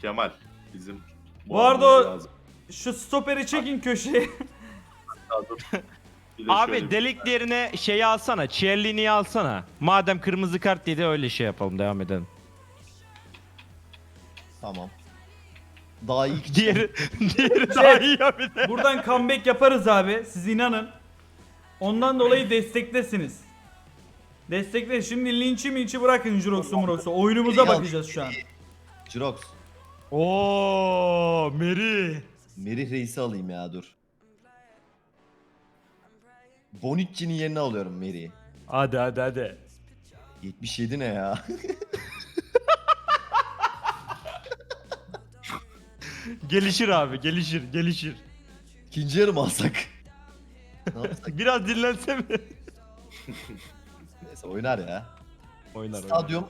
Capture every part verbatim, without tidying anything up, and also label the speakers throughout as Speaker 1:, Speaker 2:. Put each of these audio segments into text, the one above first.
Speaker 1: Kemal bizim
Speaker 2: Bu arada o-
Speaker 1: lazım.
Speaker 2: Şu stoperi çekin köşeye.
Speaker 1: Bir de
Speaker 3: Abi
Speaker 1: şöyle bir-
Speaker 3: delik yerine şeyi alsana. Chiellini'yi alsana. Madem kırmızı kart yedi öyle şey yapalım, devam edelim.
Speaker 4: Tamam. Daha iyi ki
Speaker 3: Diğeri, diğeri daha iyi ya bir de.
Speaker 2: Buradan comeback yaparız abi. Siz inanın. Ondan dolayı desteklesiniz. Destekle. Şimdi linçi minçi bırakın Jurox'u Murox'u. Oyunumuza
Speaker 4: Ya-
Speaker 2: bakacağız şu an.
Speaker 4: Jirox.
Speaker 3: Oo, Meri.
Speaker 4: Merih Reis'i alayım ya dur. Bonucci'nin yerine alıyorum Merih'i.
Speaker 3: Hadi hadi hadi.
Speaker 4: yetmiş yedi ne ya?
Speaker 3: Gelişir abi, gelişir, gelişir.
Speaker 4: İkinci yarı mı alsak? Ne yapsak?
Speaker 3: Biraz dinlense mi?
Speaker 4: Neyse oynar ya.
Speaker 3: Oynar,
Speaker 4: Stadyum.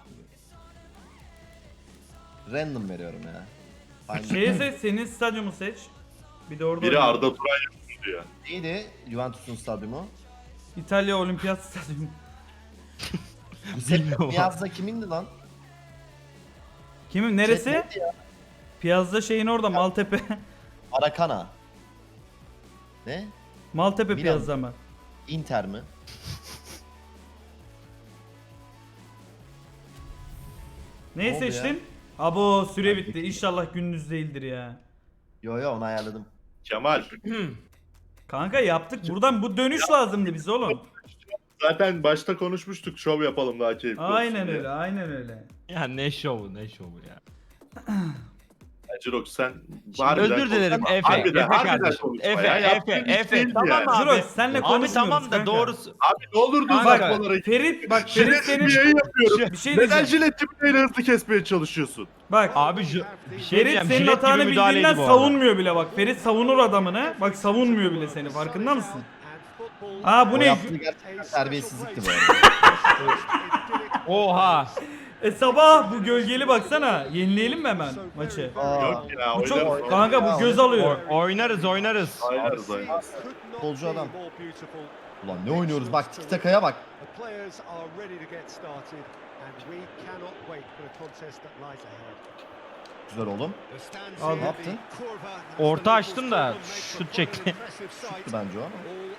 Speaker 4: Random veriyorum ya. Hangi?
Speaker 2: Şeyi seç, senin stadyumu seç. Bir de orada
Speaker 1: Biri
Speaker 2: oyna.
Speaker 1: Arda Turan yapıyor diyor.
Speaker 4: Neydi Juventus'un stadyumu?
Speaker 2: İtalya Olimpiyat Stadyumu.
Speaker 3: Bilmiyorum.
Speaker 4: Piazza kimindi lan?
Speaker 2: Kimin neresi?
Speaker 4: Şey neydi ya?
Speaker 2: Piazza şeyin orada Maltepe.
Speaker 4: Maracana. Ne?
Speaker 2: Maltepe
Speaker 4: Milan.
Speaker 2: Piazza mı?
Speaker 4: Inter mi?
Speaker 2: Neyi
Speaker 4: Ne oldu
Speaker 2: seçtin? Abo süre bitti. İnşallah gündüz değildir ya.
Speaker 4: Yo yo onu ayarladım.
Speaker 1: Kemal
Speaker 2: Kanka yaptık. Buradan bu dönüş lazımdı bize oğlum.
Speaker 1: zaten başta konuşmuştuk, şov yapalım daha keyifli olsun
Speaker 2: Aynen
Speaker 1: diye.
Speaker 2: öyle, aynen öyle.
Speaker 3: Ya ne şovu, ne şovu ya.
Speaker 1: Ya Jirox sen
Speaker 3: Özür dilerim
Speaker 1: konuşma.
Speaker 3: Efe,
Speaker 1: Harbiden,
Speaker 3: Efe
Speaker 1: harbiden
Speaker 3: kardeşim.
Speaker 1: konuşma
Speaker 3: Efe,
Speaker 1: ya.
Speaker 3: Efe,
Speaker 1: Yaptığın iş
Speaker 3: Efe.
Speaker 1: değildi
Speaker 3: Tamam
Speaker 1: yani.
Speaker 3: abi.
Speaker 2: Jirox senle
Speaker 3: Abi
Speaker 2: konuşmuyoruz
Speaker 3: tamam da
Speaker 2: kanka.
Speaker 3: doğrusu.
Speaker 1: Abi ne olur düz
Speaker 3: Kanka,
Speaker 1: bakmalara git.
Speaker 2: Ferit bak Ferit
Speaker 1: Jilet
Speaker 2: senin
Speaker 1: bir yayın yapıyorum.
Speaker 2: bir şey
Speaker 1: Neden
Speaker 2: diyeceğim.
Speaker 1: jilet tipleyle hızlı kesmeye çalışıyorsun?
Speaker 2: Bak
Speaker 3: Abi ju- bir şey
Speaker 2: Ferit
Speaker 3: diyeceğim,
Speaker 2: senin
Speaker 3: jilet
Speaker 2: hatanı
Speaker 3: gibi müdahaleydi
Speaker 2: bildiğinden
Speaker 3: bu arada.
Speaker 2: savunmuyor bile bak. Ferit savunur adamını. Bak savunmuyor bile seni. Farkında mısın? Aa bu
Speaker 4: O
Speaker 2: ne?
Speaker 4: yaptığı gerçekten terbiyesizlikti bu arada.
Speaker 3: Oha.
Speaker 2: E sabah bu gölgeli baksana. Yenileyelim mi hemen maçı?
Speaker 4: Aa,
Speaker 1: Yok ya,
Speaker 2: Bu çok
Speaker 1: oynarız.
Speaker 2: kanka bu göz alıyor.
Speaker 3: O- oynarız, oynarız.
Speaker 1: Oynarız oynarız.
Speaker 4: futbolcu adam. Ulan ne oynuyoruz bak tiki takaya bak.
Speaker 5: The players are ready to get started and we cannot wait for the contest that lies ahead.
Speaker 4: Güzel oğlum.
Speaker 2: Al,
Speaker 4: ne yaptın?
Speaker 3: Orta açtım da şut çekti.
Speaker 4: Tuttu bence o ama.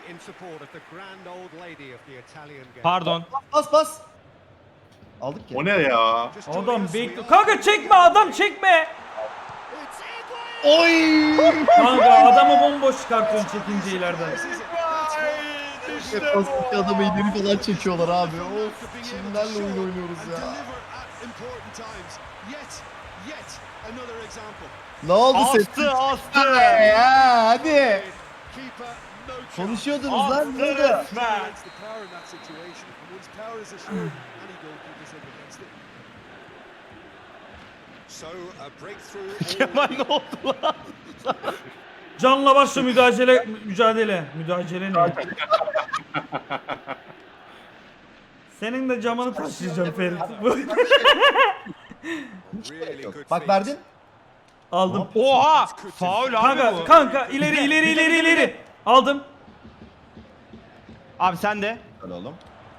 Speaker 3: Pardon.
Speaker 4: Pas pas. Aldık ya.
Speaker 1: O ne ya?
Speaker 2: Adam bekliyor. Kanka çekme adam çekme.
Speaker 4: Oy!
Speaker 2: Kanka adamı bomboş çıkartıyorsun çekince ileriden.
Speaker 4: Pastaki adamı ileri falan çekiyorlar abi. Of kimlerle oyun oynuyoruz ya. Ne oldu sen?
Speaker 3: Astı, astı.
Speaker 4: Ya hadi. Konuşuyordunuz lan ne oldu?
Speaker 3: Kemal ne oldu lan?
Speaker 2: Canla başla mücadele mücadele. Mücadele ne? Senin de camını taşıyacağım Ferit.
Speaker 4: Bak verdin.
Speaker 2: Aldım.
Speaker 3: Oha! Faul abi
Speaker 2: Kanka
Speaker 3: bu.
Speaker 2: kanka ileri ileri ileri ileri. Aldım.
Speaker 3: Abi sen de.
Speaker 4: Öyle oğlum.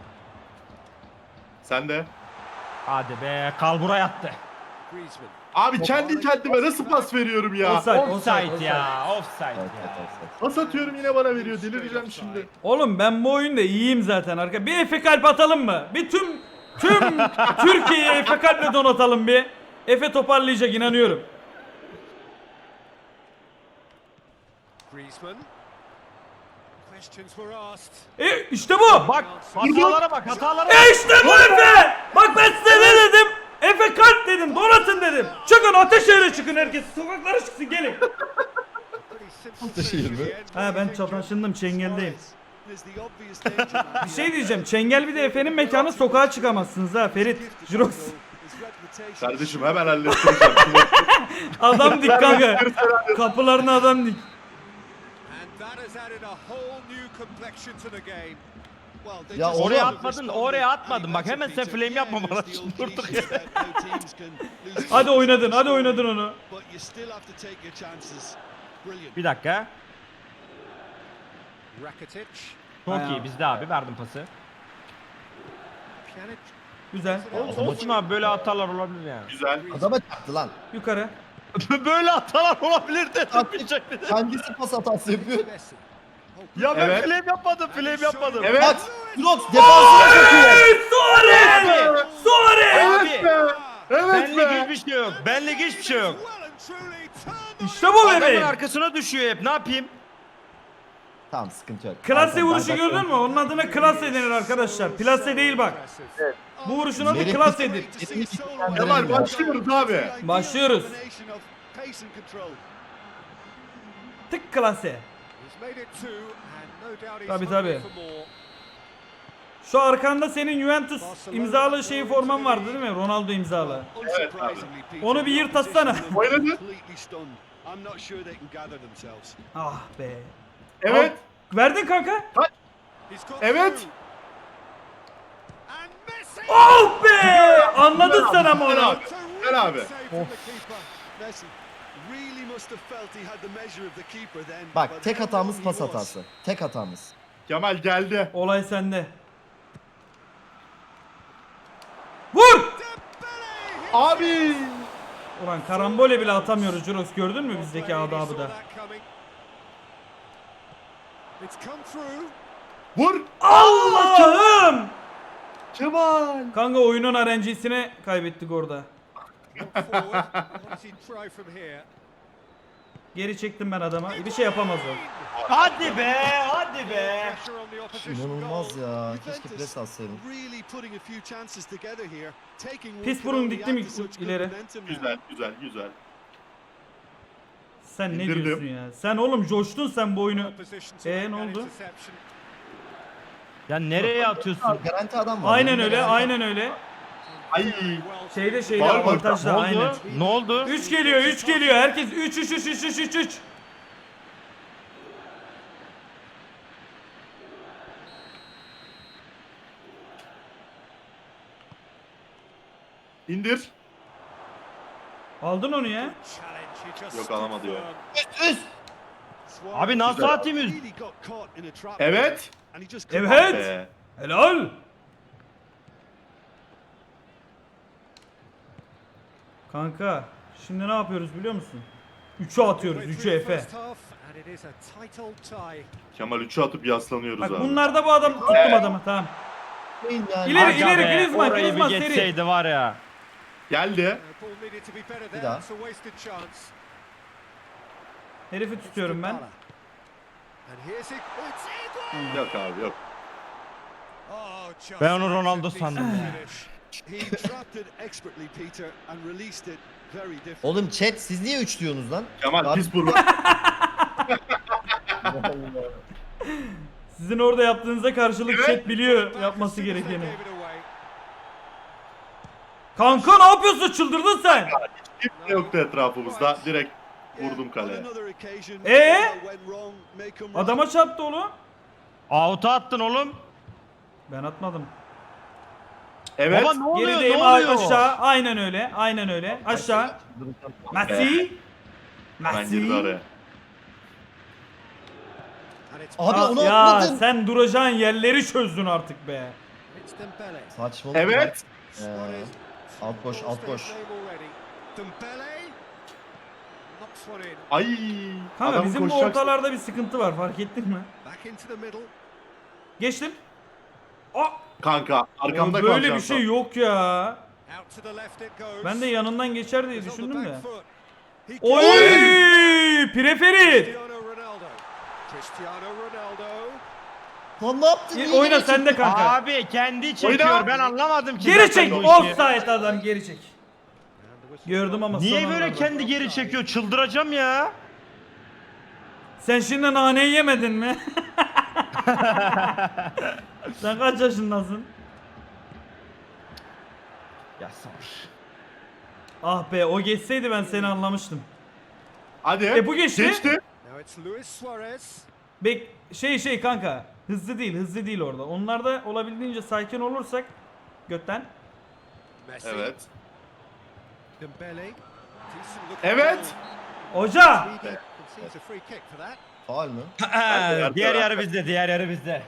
Speaker 1: Sen de.
Speaker 3: Hadi be, kalbura yattı.
Speaker 1: Abi kendi kendime nasıl pas veriyorum ya?
Speaker 2: Offside,
Speaker 3: Offside ya, offside
Speaker 4: Evet, evet,
Speaker 3: ya.
Speaker 4: evet.
Speaker 1: Pas atıyorum yine bana veriyor. Delireceğim şimdi.
Speaker 2: Oğlum ben bu oyunda iyiyim zaten arka. Bir Efe kalp atalım mı? Bir tüm tüm Türkiye'yi Efe kalple donatalım bir. Efe toparlayacak inanıyorum. E işte bu.
Speaker 3: Bak, hatalara bak, hatalara
Speaker 2: E
Speaker 3: bak.
Speaker 2: işte bu Efe. Bak ben size ne dedim? Efe kalp dedim, donatın dedim. Çıkın Ateşehir'e çıkın herkes. Sokaklara çıksın gelin.
Speaker 4: Ataşehir mi?
Speaker 2: Ha ben çataşındım Çengel'deyim. Bir şey diyeceğim. Çengel bir de Efe'nin mekanı sokağa çıkamazsınız ha Ferit. Jirox.
Speaker 1: Kardeşim hemen hallettireceğim.
Speaker 2: Adam dik kanka. Kapılarına adam dik.
Speaker 4: Ya
Speaker 3: Oraya
Speaker 4: oğlum.
Speaker 3: atmadın, oraya atmadın. Bak hemen sen flame yapma bana. Şimdi durduk ya.
Speaker 2: Hadi oynadın, hadi oynadın onu.
Speaker 3: Bir dakika. Çok
Speaker 2: Ayağı.
Speaker 3: iyi bizde abi, verdim pası.
Speaker 2: Güzel.
Speaker 3: Olsun abi, böyle hatalar olabilir yani.
Speaker 1: Güzel.
Speaker 4: Adama çaktı lan.
Speaker 2: Yukarı.
Speaker 3: Böyle hatalar olabilir de
Speaker 4: At-
Speaker 3: tutmayacak bir de.
Speaker 4: Kendisi pas hatası yapıyor.
Speaker 5: Messi.
Speaker 3: Ya ben
Speaker 1: Evet.
Speaker 3: flame yapmadım, flame yapmadım.
Speaker 1: Evet.
Speaker 4: Bak Drox defansına sokuyor.
Speaker 2: Suarez! Suarez!
Speaker 3: Abi,
Speaker 1: Evet be. Evet
Speaker 3: benlik
Speaker 1: be.
Speaker 3: hiçbir şey yok. Benlik hiçbir şey yok.
Speaker 5: Well and truly turned
Speaker 2: İşte bu
Speaker 3: Adamın
Speaker 2: bebeğim.
Speaker 3: arkasına düşüyor hep. Ne yapayım?
Speaker 4: Tamam sıkıntı yok.
Speaker 2: Klase
Speaker 4: Zaten
Speaker 2: vuruşu
Speaker 4: ben-
Speaker 2: gördün mü? Onun adına klase denir arkadaşlar. Plase değil bak. Bu vuruşun adı
Speaker 4: Merih-
Speaker 2: klasedir.
Speaker 1: Kemal başlıyoruz abi.
Speaker 2: Başlıyoruz. Tık klase. Tabii, tabii. Şu arkanda senin Juventus imzalı şeyi forman vardı değil mi? Ronaldo imzalı.
Speaker 1: Evet abi.
Speaker 2: Onu bir yırt atsana.
Speaker 1: Oynadı.
Speaker 2: Ah be.
Speaker 1: Evet.
Speaker 2: Verdin kanka.
Speaker 1: Evet.
Speaker 2: Oh be! Anladın sen ama
Speaker 1: Gel
Speaker 2: onu.
Speaker 1: abi. Gel abi.
Speaker 4: Bak tek hatamız pas hatası. Tek hatamız.
Speaker 1: Kemal geldi.
Speaker 2: Olay sende. Vur!
Speaker 1: Abi.
Speaker 2: Ulan karambole bile atamıyoruz Juros, gördün mü bizdeki adabı da.
Speaker 1: Vur.
Speaker 2: Allah'ım!
Speaker 1: Kemal.
Speaker 2: Kanka oyunun R N G'sine kaybettik orada. Geri çektim ben adama. Bir şey yapamaz o.
Speaker 3: Hadi be, hadi be.
Speaker 4: İnanılmaz ya. Keşke pres atsaydım.
Speaker 2: Pis burun dikti mi ileri?
Speaker 1: Güzel güzel güzel.
Speaker 2: Sen ne
Speaker 1: İndirdim.
Speaker 2: diyorsun ya? Sen oğlum coştun sen bu oyunu. Ee, ne oldu?
Speaker 3: Ya nereye atıyorsun?
Speaker 4: Garanti adam var.
Speaker 2: Aynen
Speaker 4: Yanında
Speaker 2: öyle,
Speaker 4: garanti-
Speaker 2: aynen öyle.
Speaker 1: Ay.
Speaker 2: Şeyde şeyde
Speaker 1: Var mı?
Speaker 3: Ne
Speaker 2: avantajda aynen.
Speaker 3: oldu? Ne oldu?
Speaker 2: üç geliyor, üç geliyor. Herkes üç üç üç üç üç üç üç.
Speaker 1: İndir.
Speaker 2: Aldın onu ya.
Speaker 1: Yok, alamadı ya.
Speaker 4: Üst.
Speaker 3: Abi nasıl atayım üst?
Speaker 1: Evet.
Speaker 2: Evet.
Speaker 1: Be.
Speaker 2: Helal. Kanka şimdi ne yapıyoruz biliyor musun? üçe atıyoruz, üçe Efe.
Speaker 1: Kemal üçü atıp yaslanıyoruz
Speaker 2: Bak
Speaker 1: abi.
Speaker 2: bunlarda bu adam tuttum adamı, tamam.
Speaker 4: Yani.
Speaker 2: İleri,
Speaker 3: Aga
Speaker 2: ileri,
Speaker 3: be,
Speaker 2: Griezmann,
Speaker 3: orayı bir
Speaker 2: Griezmann seri.
Speaker 3: geçseydi var ya.
Speaker 1: Geldi.
Speaker 4: Bir daha.
Speaker 2: Herifi tutuyorum ben.
Speaker 1: Yok abi yok.
Speaker 3: Ben onu Ronaldo sandım ya.
Speaker 4: Oğlum chat siz niye üç diyorsunuz lan?
Speaker 1: Kemal
Speaker 4: Abi-
Speaker 1: pis burun.
Speaker 2: Sizin orada yaptığınıza karşılık chat biliyor yapması gerekeni. Kanka ne yapıyorsun, çıldırdın sen?
Speaker 1: Kimse yoktu etrafımızda. Direkt vurdum kaleye.
Speaker 2: Ee? Adama çarptı oğlum.
Speaker 3: Out'a attın oğlum.
Speaker 2: Ben atmadım.
Speaker 1: Evet.
Speaker 3: Baba ne oluyor?
Speaker 2: Gerideyim,
Speaker 3: Ne
Speaker 2: a-
Speaker 3: oluyor?
Speaker 2: aşağı, aynen öyle, aynen öyle. Aşağı. Messi.
Speaker 1: Ben girdi
Speaker 2: Messi.
Speaker 1: araya.
Speaker 4: Abi
Speaker 2: Aa,
Speaker 4: onu
Speaker 2: ya
Speaker 4: atmadın.
Speaker 2: sen duracağın yerleri çözdün artık be.
Speaker 4: Saçmalık.
Speaker 1: Evet.
Speaker 4: Ee, alt boş alt boş.
Speaker 1: Ay.
Speaker 2: Kanka
Speaker 1: adam
Speaker 2: bizim bu
Speaker 1: koşacak.
Speaker 2: ortalarda bir sıkıntı var, fark ettin mi? Geçtim. Aa,
Speaker 1: Kanka arkamda
Speaker 2: böyle
Speaker 1: kalacağım
Speaker 2: bir şey
Speaker 1: sen.
Speaker 2: yok ya. Ben de yanından geçer diye düşündüm de. Oy! Preferit.
Speaker 4: Lan ne yaptın? Niye
Speaker 2: Oyna
Speaker 4: geri
Speaker 2: sen de
Speaker 4: çektin?
Speaker 2: kanka.
Speaker 3: Abi kendi çekiyor.
Speaker 1: Oyna.
Speaker 3: Ben anlamadım ki.
Speaker 2: Geri
Speaker 3: zaten
Speaker 2: çek.
Speaker 3: bu işi.
Speaker 2: Offside adam, geri çek. Gördüm ama
Speaker 3: Niye
Speaker 2: son
Speaker 3: böyle
Speaker 2: anlarda.
Speaker 3: kendi geri çekiyor? Çıldıracağım ya.
Speaker 2: Sen şimdi naneyi yemedin mi? Sen kaç yaşındasın?
Speaker 3: Ya sabır.
Speaker 2: Ah be, o geçseydi ben seni anlamıştım.
Speaker 1: Hadi.
Speaker 2: E, bu geçti.
Speaker 1: Geçti.
Speaker 2: Bek şey şey kanka. Hızlı değil, hızlı değil orada. Onlarda olabildiğince sakin olursak götten.
Speaker 1: Evet. Evet.
Speaker 2: Hoca!
Speaker 4: Faul mü?
Speaker 3: Diğer yarı bizde, diğer yarı bizde.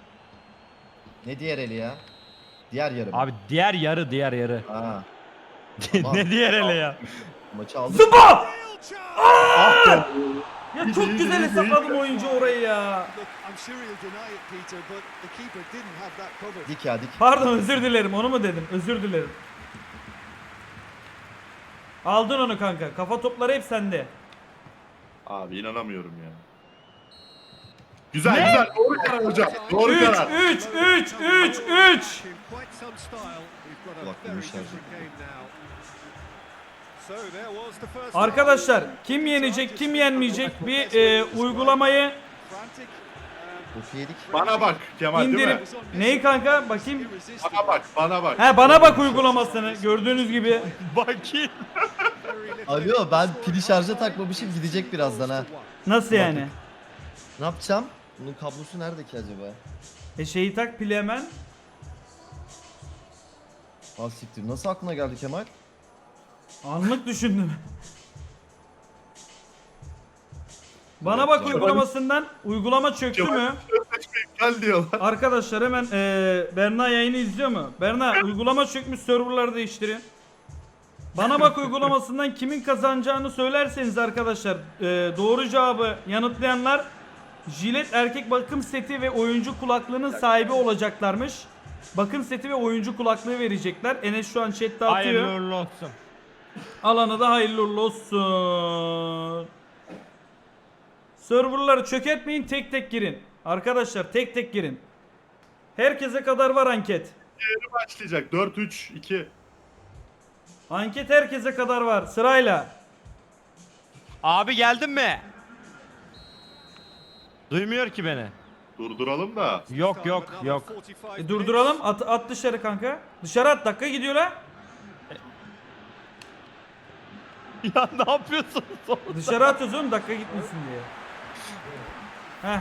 Speaker 4: Ne diğer eli ya? Diğer yarı mı?
Speaker 3: Abi diğer yarı, diğer yarı.
Speaker 4: Ha.
Speaker 3: Ne diğer ele ya?
Speaker 4: Maçı aldık.
Speaker 2: Zıba!
Speaker 1: Ah be.
Speaker 2: Ya
Speaker 1: İyi,
Speaker 2: çok
Speaker 1: iyi,
Speaker 2: güzel
Speaker 1: iyi,
Speaker 2: hesapladım
Speaker 1: iyi.
Speaker 2: oyuncu orayı ya.
Speaker 5: Look, I'm sure he'll deny it, Peter, but the keeper didn't have that covered.
Speaker 4: Dik ya dik.
Speaker 2: Pardon özür dilerim onu mu dedim? Özür dilerim. Aldın onu kanka. Kafa topları hep sende.
Speaker 1: Abi inanamıyorum ya. Güzel güzel. Doğru karar hocam. Doğru
Speaker 2: üç
Speaker 1: karar.
Speaker 2: üç üç üç üç.
Speaker 5: In quite some style, we've got a
Speaker 4: Kulak
Speaker 5: very
Speaker 4: demişler.
Speaker 5: different game now. So there was the first
Speaker 2: Arkadaşlar kim yenecek kim yenmeyecek bir e, uygulamayı
Speaker 5: frantic, um,
Speaker 4: Boku yedik.
Speaker 1: Bana bak Kemal değil mi?
Speaker 2: indirip neyi kanka bakayım.
Speaker 1: Bana bak bana bak.
Speaker 2: He bana bak uygulamasını gördüğünüz gibi.
Speaker 3: Bakayım.
Speaker 5: very little
Speaker 4: Alo ben pili şarja takmamışım gidecek birazdan ha.
Speaker 2: Nasıl yani?
Speaker 4: Ne yapacağım? Bunun kablosu nerede ki acaba?
Speaker 2: E şeyi tak pili hemen.
Speaker 4: Ah siktir nasıl aklına geldi Kemal?
Speaker 2: Anlık düşündüm. Bana bak uygulamasından uygulama çöktü mü?
Speaker 1: Gel diyorlar.
Speaker 2: Arkadaşlar hemen eee Berna yayını izliyor mu? Berna uygulama çökmüş serverları değiştirin. Bana bak uygulamasından kimin kazanacağını söylerseniz arkadaşlar eee, doğru cevabı yanıtlayanlar jilet erkek bakım seti ve oyuncu kulaklığının sahibi olacaklarmış. Bakım seti ve oyuncu kulaklığı verecekler. Enes şu an chatte atıyor.
Speaker 3: Hayırlı uğurlu olsun.
Speaker 2: Alana da hayırlı uğurlu olsun. Serverları çökertmeyin tek tek girin. Arkadaşlar tek tek girin. Herkese kadar var anket.
Speaker 1: Yeni başlayacak. dört üç iki.
Speaker 2: Anket herkese kadar var sırayla.
Speaker 3: Abi geldin mi? Duymuyor ki beni.
Speaker 1: Durduralım da.
Speaker 3: Yok yok yok.
Speaker 2: E, durduralım at, at dışarı kanka. Dışarı at dakika gidiyor la.
Speaker 3: Ya ne yapıyorsun?
Speaker 2: Dışarı atıyoruz oğlum dakika gitmesin diye. Heh.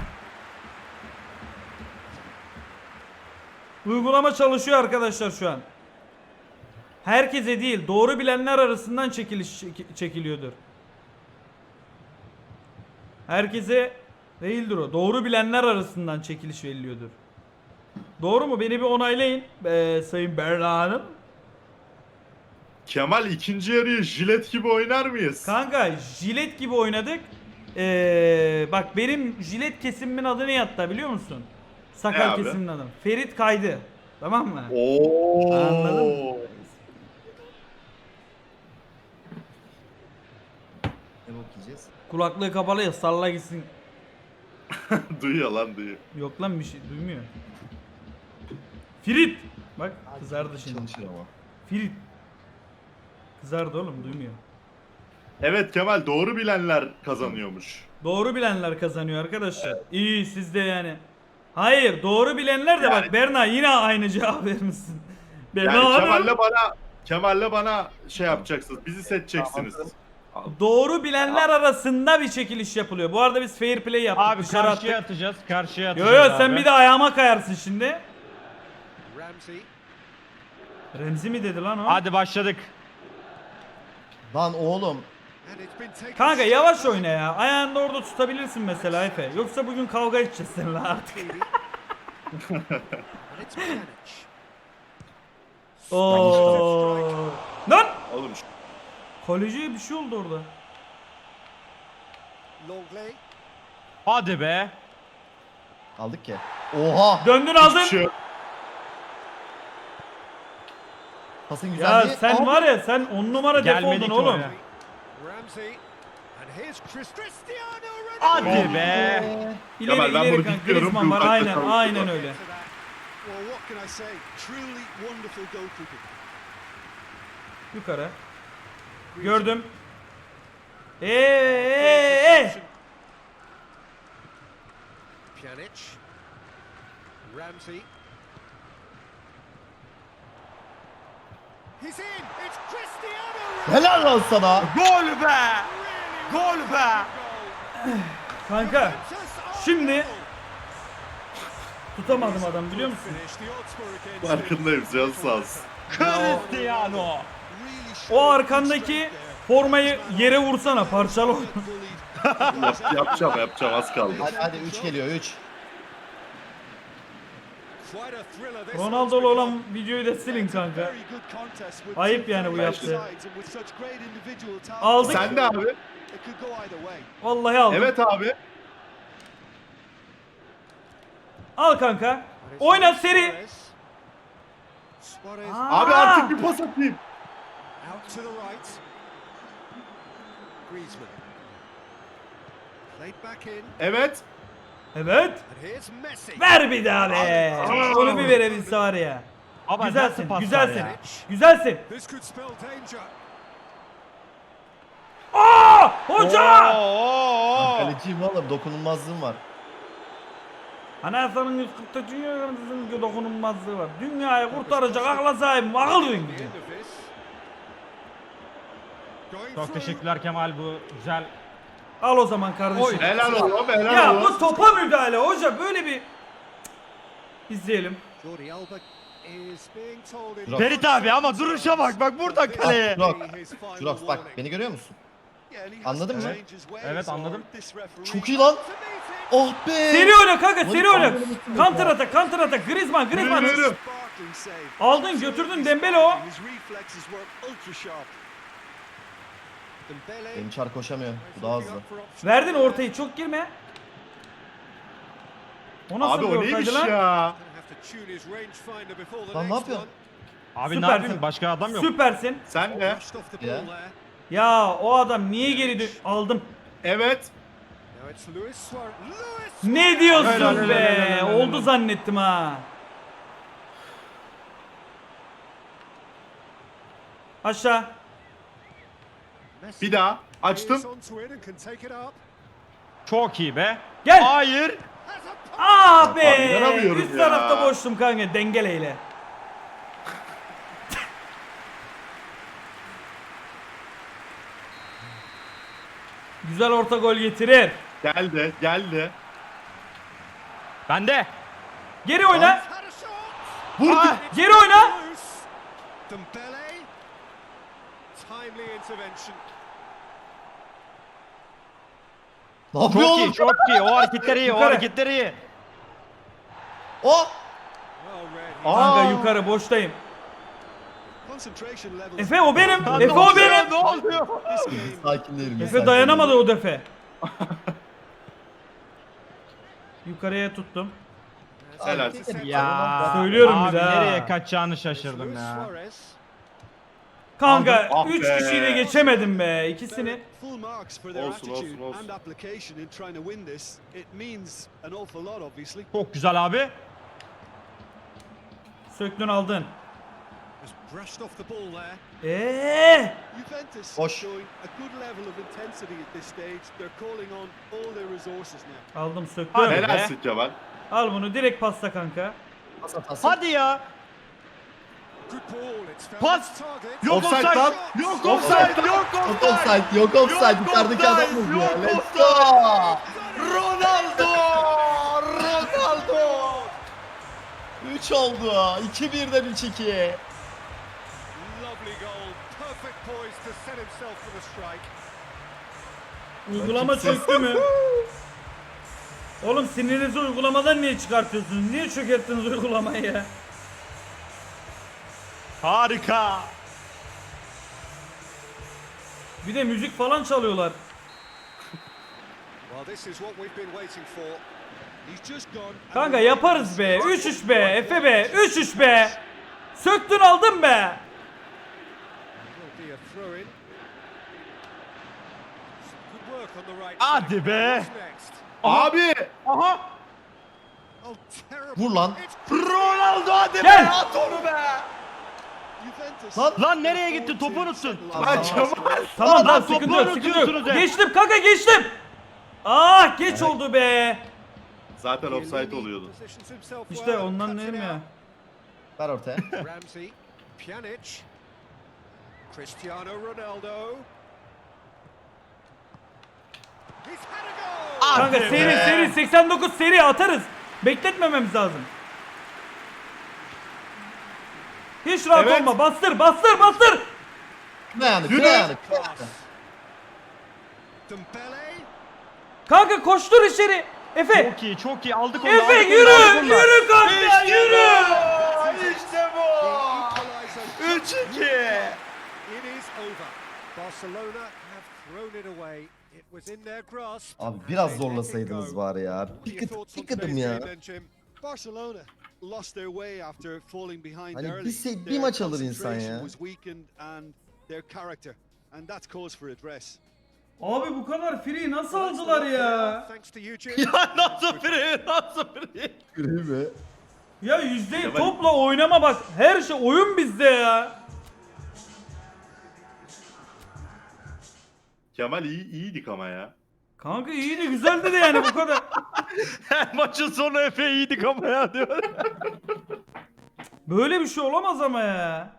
Speaker 2: Uygulama çalışıyor arkadaşlar şu an. Herkese değil doğru bilenler arasından çekiliş çeki- çekiliyordur. Herkese değildir o. Doğru bilenler arasından çekiliş veriliyordur. Doğru mu? Beni bir onaylayın ee, Sayın Berna Hanım.
Speaker 1: Kemal ikinci yarıyı jilet gibi oynar mıyız?
Speaker 2: Kanka jilet gibi oynadık. Ee, bak benim jilet kesimimin adı ne hatta biliyor musun?
Speaker 1: Ne
Speaker 2: Sakal
Speaker 1: abi?
Speaker 2: kesimimin adı. Ferit Kaydı. Tamam mı?
Speaker 1: Oo.
Speaker 2: Anladın mı?
Speaker 4: Ne bok yiyeceğiz?
Speaker 2: Kulaklığı kapalı ya salla gitsin.
Speaker 1: Duyuyor lan duyuyor.
Speaker 2: Yok lan bir şey duymuyor. Ferit. Bak kızardı şimdi.
Speaker 4: Çalışır ama.
Speaker 2: Ferit. Kızardı oğlum duymuyor.
Speaker 1: Evet Kemal doğru bilenler kazanıyormuş.
Speaker 2: Doğru bilenler kazanıyor arkadaşlar. İyi siz de yani. Hayır doğru bilenler de bak
Speaker 1: Yani-
Speaker 2: Berna yine aynı cevap vermişsin. Berna
Speaker 1: Yani
Speaker 2: Hanım.
Speaker 1: Kemal'le bana Kemal'le bana şey yapacaksınız. Bizi seçeceksiniz.
Speaker 2: Doğru bilenler arasında bir çekiliş yapılıyor. Bu arada biz fair play yaptık.
Speaker 3: Abi
Speaker 2: dışarı
Speaker 3: karşıya
Speaker 2: attık.
Speaker 3: atacağız. Karşıya
Speaker 2: Yo
Speaker 3: atacağız
Speaker 2: yo sen
Speaker 3: abi.
Speaker 2: bir de ayağıma kayarsın şimdi.
Speaker 5: Ramsey.
Speaker 2: Remzi mi dedi lan o?
Speaker 3: Hadi başladık.
Speaker 4: Lan oğlum.
Speaker 5: And it's been taken
Speaker 2: Kanka yavaş oyna ya. Ayağını da orada tutabilirsin mesela Efe. Yoksa bugün kavga edeceğiz seninle artık.
Speaker 5: and it's Pjanic.
Speaker 2: Oo. Lan!
Speaker 1: Oğlum şu-
Speaker 2: Kaleciye bir şey oldu orada.
Speaker 5: Longley.
Speaker 3: Hadi be.
Speaker 4: Aldık ki. Oha.
Speaker 2: Döndün aldın.
Speaker 1: şu
Speaker 4: Pasın
Speaker 2: Ya
Speaker 4: güzelliği.
Speaker 2: sen
Speaker 4: Aa,
Speaker 2: var ya sen on numara def
Speaker 3: Gelmedi
Speaker 2: oldun
Speaker 3: ki
Speaker 2: oğlum.
Speaker 3: oraya.
Speaker 5: Ramsey. And here's Chris Cristiano Ronaldo.
Speaker 3: Hadi be.
Speaker 4: Ee,
Speaker 2: İleri
Speaker 1: Kemal, ben
Speaker 2: ileri
Speaker 1: bunu
Speaker 2: kanka
Speaker 1: biliyorum,
Speaker 2: Griezmann
Speaker 1: bu
Speaker 2: var
Speaker 1: uzakta
Speaker 2: aynen
Speaker 1: kaldı.
Speaker 2: aynen öyle.
Speaker 5: To that. Well, what can I say? Truly wonderful goalkeeping.
Speaker 2: Yukarı. Gördüm. Eee eee
Speaker 5: Pjanic. Ramsey. He's in. It's Cristiano Ronaldo.
Speaker 4: Helal lan sana.
Speaker 3: Gol be. Gol be.
Speaker 2: Kanka şimdi tutamadım adam biliyor musun?
Speaker 5: Finish. The odds were against him.
Speaker 1: farkındayım canı sağ olsun.
Speaker 3: Cristiano.
Speaker 5: Really
Speaker 2: O
Speaker 5: showed
Speaker 2: arkandaki
Speaker 5: good strength
Speaker 2: formayı yere vursana parçala.
Speaker 5: there. Bullied.
Speaker 1: Yap, yapacağım yapacağım az kaldı.
Speaker 4: Hadi hadi üç geliyor üç.
Speaker 5: Quite a thriller this
Speaker 2: Ronaldo'lu
Speaker 5: one's
Speaker 2: olan
Speaker 5: become.
Speaker 2: videoyu da silin
Speaker 5: It's a
Speaker 2: kanka.
Speaker 5: very good contest with
Speaker 2: Ayıp
Speaker 5: two
Speaker 2: yani bu
Speaker 5: very
Speaker 2: yaptığı.
Speaker 5: sides and with such great individual talent.
Speaker 2: Aldık.
Speaker 1: Sen de abi.
Speaker 5: It could go either way.
Speaker 2: Vallahi aldım.
Speaker 1: Evet abi.
Speaker 2: Al kanka.
Speaker 5: And it's
Speaker 2: Oyna
Speaker 5: Luis
Speaker 2: seri.
Speaker 5: Suarez. Suarez
Speaker 2: Aa.
Speaker 1: Abi artık bir pas atayım.
Speaker 5: out to the right. Griezmann. Played back in.
Speaker 1: Evet.
Speaker 2: Evet.
Speaker 5: And here's Messi.
Speaker 2: Ver bir daha be. Onu bir verebilse var ya.
Speaker 3: Ama
Speaker 2: Güzelsin,
Speaker 3: nasıl paslar
Speaker 2: güzelsin.
Speaker 3: ya?
Speaker 2: Güzelsin.
Speaker 5: This could spell danger.
Speaker 2: Aa! Hoca!
Speaker 3: Oo!
Speaker 4: Kaleciyim oğlum, dokunulmazlığım var.
Speaker 2: Anayasanın yüz kırk dünya dokunulmazlığı var. Dünyayı kurtaracak akla sahip akıl yön
Speaker 5: The
Speaker 2: gibi.
Speaker 5: end of this. Going
Speaker 3: Çok
Speaker 5: through.
Speaker 3: teşekkürler Kemal, bu güzel.
Speaker 2: Al o zaman kardeşim.
Speaker 1: Helal oğlum helal
Speaker 2: Ya
Speaker 1: oğlum.
Speaker 2: bu topa müdahale hoca böyle bir... İzleyelim.
Speaker 5: Jordi Alba is being told in-
Speaker 4: Jurox.
Speaker 3: Ferit abi ama duruşa bak, bak burada kaleye.
Speaker 4: Jurox.
Speaker 5: His final
Speaker 4: Jurox bak,
Speaker 5: warning.
Speaker 4: beni görüyor musun?
Speaker 5: Yeah, and he has
Speaker 4: Anladın
Speaker 5: to
Speaker 4: mı?
Speaker 5: change his ways
Speaker 3: Evet,
Speaker 5: or
Speaker 3: anladım.
Speaker 5: this referee
Speaker 4: Çok iyi lan.
Speaker 5: to meet it.
Speaker 4: Oh be!
Speaker 2: Seri oyna kanka seri oyna.
Speaker 4: Lan,
Speaker 2: Counter atak counter atak. Griezmann Griezmann.
Speaker 1: Yürü, yürü.
Speaker 5: Sparkling save.
Speaker 2: Aldın, götürdün Dembele o.
Speaker 5: His reflexes were ultra sharp. Dembele
Speaker 4: Benim çar koşamıyor. Bu daha hızlı.
Speaker 2: Verdin ortayı çok girme. O nasıl
Speaker 1: Abi
Speaker 2: bir
Speaker 1: o
Speaker 2: ortaydı
Speaker 1: neymiş
Speaker 2: lan?
Speaker 1: ya?
Speaker 4: Lan ne yapıyorsun?
Speaker 3: Abi ne
Speaker 2: Süpersin.
Speaker 3: yapayım, başka adam yok.
Speaker 2: Süpersin.
Speaker 1: Sen de.
Speaker 4: Ya.
Speaker 2: Ya o adam niye geri dön... Aldım.
Speaker 1: Evet.
Speaker 2: Ne diyorsun
Speaker 3: Helal, helal,
Speaker 2: be?
Speaker 3: helal, helal, helal.
Speaker 2: Oldu zannettim ha. Aşağı.
Speaker 1: Bir daha. Açtım.
Speaker 3: Çok iyi be.
Speaker 2: Gel.
Speaker 3: Hayır.
Speaker 2: Ah be.
Speaker 1: inanamıyorum
Speaker 2: Üst
Speaker 1: ya.
Speaker 2: tarafta boştum kanka dengeleyle. Güzel orta gol getirir.
Speaker 1: Geldi. Geldi.
Speaker 3: Bende.
Speaker 2: Geri oyna.
Speaker 1: Vur.
Speaker 3: Ah!
Speaker 2: Geri oyna.
Speaker 5: Dembele. Timely intervention.
Speaker 4: Ne yapıyor
Speaker 3: Çok iyi,
Speaker 4: oğlum?
Speaker 3: çok iyi. O hareketleri iyi, o
Speaker 2: Yukarı.
Speaker 3: hareketleri iyi.
Speaker 4: Oh!
Speaker 5: Well read.
Speaker 1: Aa.
Speaker 2: Kanka yukarı boştayım.
Speaker 5: Concentration levels.
Speaker 2: Efe o benim.
Speaker 3: Lan
Speaker 2: Efe
Speaker 3: ne
Speaker 2: o
Speaker 3: oluyor,
Speaker 2: benim.
Speaker 3: Ne oluyor?
Speaker 5: This game.
Speaker 4: Sakin değilim.
Speaker 2: Efe
Speaker 4: sakin
Speaker 2: dayanamadı
Speaker 4: değilim.
Speaker 2: o defe. Yukarıya tuttum.
Speaker 1: Helal.
Speaker 3: Ya.
Speaker 2: Söylüyorum
Speaker 3: abi
Speaker 2: bir daha.
Speaker 3: nereye kaçacağını şaşırdım
Speaker 5: Luis
Speaker 3: ya.
Speaker 5: Suarez.
Speaker 2: Kanka
Speaker 1: Ah
Speaker 2: üç
Speaker 1: be.
Speaker 2: kişiyle geçemedim be ikisini.
Speaker 5: Full marks for their
Speaker 1: Olsun, olsun,
Speaker 5: attitude
Speaker 1: olsun.
Speaker 5: and application in trying to win this. It means an awful lot, obviously.
Speaker 3: Çok güzel abi.
Speaker 2: Söktün aldın.
Speaker 5: Just brushed off the ball there.
Speaker 2: Eee.
Speaker 5: Juventus
Speaker 4: Boş.
Speaker 5: showing a good level of intensity at this stage. They're calling on all their resources now.
Speaker 2: Aldım söktüm.
Speaker 3: Hadi.
Speaker 1: Helalsin Kemal.
Speaker 2: Al bunu direkt pasta kanka.
Speaker 4: Pas at, pas at.
Speaker 3: Hadi ya.
Speaker 5: Good ball. It's found
Speaker 3: Pas.
Speaker 5: its target.
Speaker 3: Yok
Speaker 1: Offside
Speaker 3: offside.
Speaker 1: lan.
Speaker 3: Yok
Speaker 1: Offside.
Speaker 3: offside. Yok
Speaker 4: Yok
Speaker 3: offside.
Speaker 4: offside, yok offside.
Speaker 3: Yok
Speaker 4: Yukarıdaki
Speaker 3: offside,
Speaker 4: adam vurdu ya.
Speaker 3: yok
Speaker 4: Let's
Speaker 3: offside.
Speaker 4: go!
Speaker 3: Ronaldo. Ronaldo.
Speaker 4: üç oldu. iki birden üç iki.
Speaker 5: Lovely goal. Perfect poise to set himself for the strike.
Speaker 2: Uygulama çöktü mü? Oğlum sinirinizi uygulamadan niye çıkartıyorsunuz? Niye çökerttiniz uygulamayı ya?
Speaker 3: Harika.
Speaker 2: Bir de müzik falan çalıyorlar.
Speaker 5: Well, this is what we've been waiting for. He's just gone. and
Speaker 2: Kanka
Speaker 5: the-
Speaker 2: yaparız be. üç üç be. Efe be. üç üç be. Söktün aldın be.
Speaker 5: Will be a throw in. Good work on the right.
Speaker 3: Hadi
Speaker 5: flank.
Speaker 3: be.
Speaker 5: What's next?
Speaker 1: Abi.
Speaker 3: Aha.
Speaker 5: Oh, terrible.
Speaker 4: Vur lan.
Speaker 5: It's
Speaker 3: Ronaldo hadi be.
Speaker 2: Gel.
Speaker 3: At onu be.
Speaker 5: Juventus.
Speaker 4: Lan.
Speaker 3: Lan nereye gitti? Topu unuttun.
Speaker 1: Lan Kemal.
Speaker 2: Tamam
Speaker 3: Lan
Speaker 2: lan
Speaker 3: topu
Speaker 2: sıkıntı yok sıkıntı
Speaker 3: unutuyorsunuz
Speaker 2: yok.
Speaker 3: hep.
Speaker 2: Geçtim kanka geçtim. Ah geç oldu be.
Speaker 1: Zaten offside oluyordu.
Speaker 5: Positions himself
Speaker 2: İşte
Speaker 5: well,
Speaker 2: ondan
Speaker 5: cuts it
Speaker 2: dedim ya.
Speaker 5: out.
Speaker 4: Ver ortaya.
Speaker 5: Ramsey, Pjanic, Cristiano Ronaldo. He's had a goal.
Speaker 2: Kanka
Speaker 3: Hadi
Speaker 2: seri
Speaker 3: be.
Speaker 2: seri seksen dokuz seri atarız. Bekletmememiz lazım. Hiç rahat
Speaker 1: Evet.
Speaker 2: olma. Bastır bastır bastır.
Speaker 4: Ne yani?
Speaker 1: Yürü.
Speaker 4: Ne yani?
Speaker 5: Dembele.
Speaker 2: Kanka koştur içeri. Efe.
Speaker 3: Çok iyi, çok iyi. Aldık onu.
Speaker 2: Efe
Speaker 3: aldık onu,
Speaker 2: yürü.
Speaker 3: aldık onu.
Speaker 2: Yürü kanka yürü.
Speaker 1: İşte bu.
Speaker 5: Equaliser.
Speaker 1: üç iki.
Speaker 5: It is over. Barcelona have thrown it away. It was in their grasp.
Speaker 4: Abi
Speaker 5: and
Speaker 4: biraz
Speaker 5: they let it
Speaker 4: zorlasaydınız
Speaker 5: go.
Speaker 4: var ya.
Speaker 5: What are
Speaker 4: Bir
Speaker 5: your
Speaker 4: kıt,
Speaker 5: thoughts
Speaker 4: bir
Speaker 5: on
Speaker 4: kıdım
Speaker 5: today's
Speaker 4: ya.
Speaker 5: game then, Jim?
Speaker 6: Barcelona lost their way after falling behind
Speaker 4: Hani
Speaker 6: early.
Speaker 4: bir se- bir
Speaker 6: Their
Speaker 4: maç alır insan
Speaker 6: concentration
Speaker 4: ya.
Speaker 6: was weakened and their character, and that's cause for address.
Speaker 2: Abi bu kadar free nasıl aldılar ya?
Speaker 5: Thanks to you, Jim.
Speaker 3: Ya nasıl free? Nasıl free?
Speaker 4: Değil mi?
Speaker 2: Ya yüzde
Speaker 1: Kemal-
Speaker 2: topla oynama bak. Her şey oyun bizde ya.
Speaker 1: Kemal iyi, iyiydik ama ya.
Speaker 2: Kanka iyiydi güzeldi de yani bu kadar.
Speaker 3: Her maçın sonu Efe iyiydik ama ya diyor.
Speaker 2: Böyle bir şey olamaz ama ya.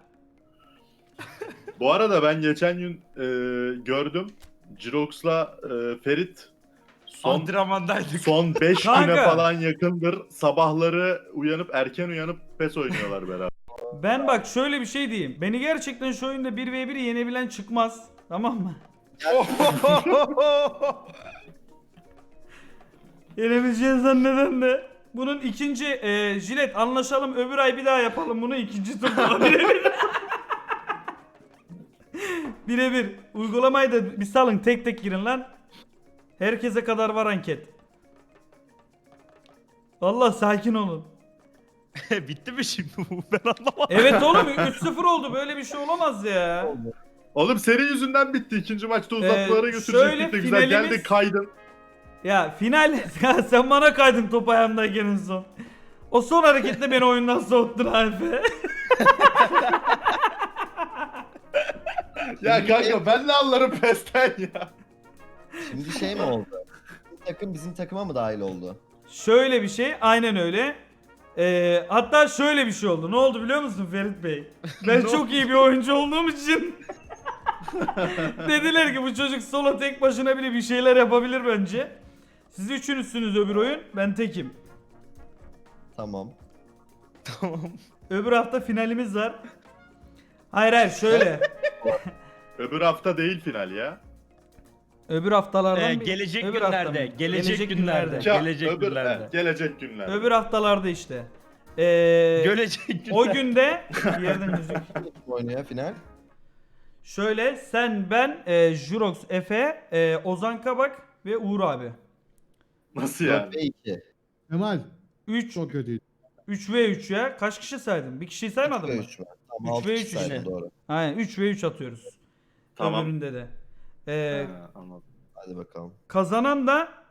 Speaker 1: Bu arada ben geçen gün e, gördüm. Jirox'la e, Ferit son
Speaker 3: Antrenmandaydık.
Speaker 1: son beş
Speaker 2: Kanka.
Speaker 1: güne falan yakındır. Sabahları uyanıp erken uyanıp PES oynuyorlar beraber.
Speaker 2: Ben bak şöyle bir şey diyeyim. Beni gerçekten şu oyunda bir ve bir yenebilen çıkmaz. Tamam mı? Yenebileceğini zanneden de. Bunun ikinci e, jilet anlaşalım öbür ay bir daha yapalım bunu ikinci turda birebir. Birebir. Uygulamayı da bir salın tek tek girin lan. Herkese kadar var anket. Vallahi sakin olun.
Speaker 3: Bitti mi şimdi bu? Ben anlamadım.
Speaker 2: Evet oğlum üç sıfır oldu böyle bir şey olamaz ya.
Speaker 1: Oğlum senin yüzünden bitti. İkinci maçta uzatmalara
Speaker 2: Ee, şöyle
Speaker 1: götürecektik de güzel.
Speaker 2: finalimiz-
Speaker 1: Geldi kaydın.
Speaker 2: Ya final ya sen bana kaydın top ayağımdayken en son. O son hareketle beni oyundan soğuttun Alfe.
Speaker 1: Ya kanka ben ne anlarım PES'ten ya.
Speaker 4: Şimdi şey mi oldu? Bu takım bizim takıma mı dahil oldu?
Speaker 2: Şöyle bir şey aynen öyle. Ee, hatta şöyle bir şey oldu. Ne oldu biliyor musun Ferit Bey? Ben çok iyi bir oyuncu olduğum için dediler ki bu çocuk solo tek başına bile bir şeyler yapabilir bence. Siz üçünüzsünüz öbür oyun. Ben tekim.
Speaker 4: Tamam.
Speaker 2: Öbür hafta finalimiz var. Hayır hayır şöyle.
Speaker 1: Öbür hafta değil final ya.
Speaker 2: Öbür haftalardan
Speaker 3: Ee,
Speaker 2: bir-
Speaker 3: gelecek
Speaker 2: öbür hafta
Speaker 3: günlerde,
Speaker 2: mı?
Speaker 3: gelecek günlerde.
Speaker 1: Ya,
Speaker 3: Gelecek
Speaker 1: öbür,
Speaker 3: günlerde.
Speaker 1: he, gelecek günlerde.
Speaker 2: Öbür haftalarda işte. Ee,
Speaker 3: Gelecek günlerde.
Speaker 2: o günde bir yerden müzik.
Speaker 4: Kim oynuyor final?
Speaker 2: Şöyle sen ben e, Jurox, Efe, e, Ozan Kabak ve Uğur abi.
Speaker 1: Nasıl yani?
Speaker 4: dört ve iki.
Speaker 7: Kemal
Speaker 2: üç
Speaker 7: çok kötüydü.
Speaker 2: üç ve üç ya. Kaç kişi saydın? Bir kişiyi saymadın
Speaker 4: üç ve
Speaker 2: mı?
Speaker 4: üç var. Tamam
Speaker 2: Üç
Speaker 4: altı
Speaker 2: ve
Speaker 4: kişi
Speaker 2: üç
Speaker 4: saydım,
Speaker 2: işte.
Speaker 4: doğru.
Speaker 2: Aynen üç ve üç atıyoruz.
Speaker 1: Tamam.
Speaker 2: Öbüründe de. Ee,
Speaker 1: Ha, anladım.
Speaker 4: Hadi bakalım.
Speaker 2: kazanan da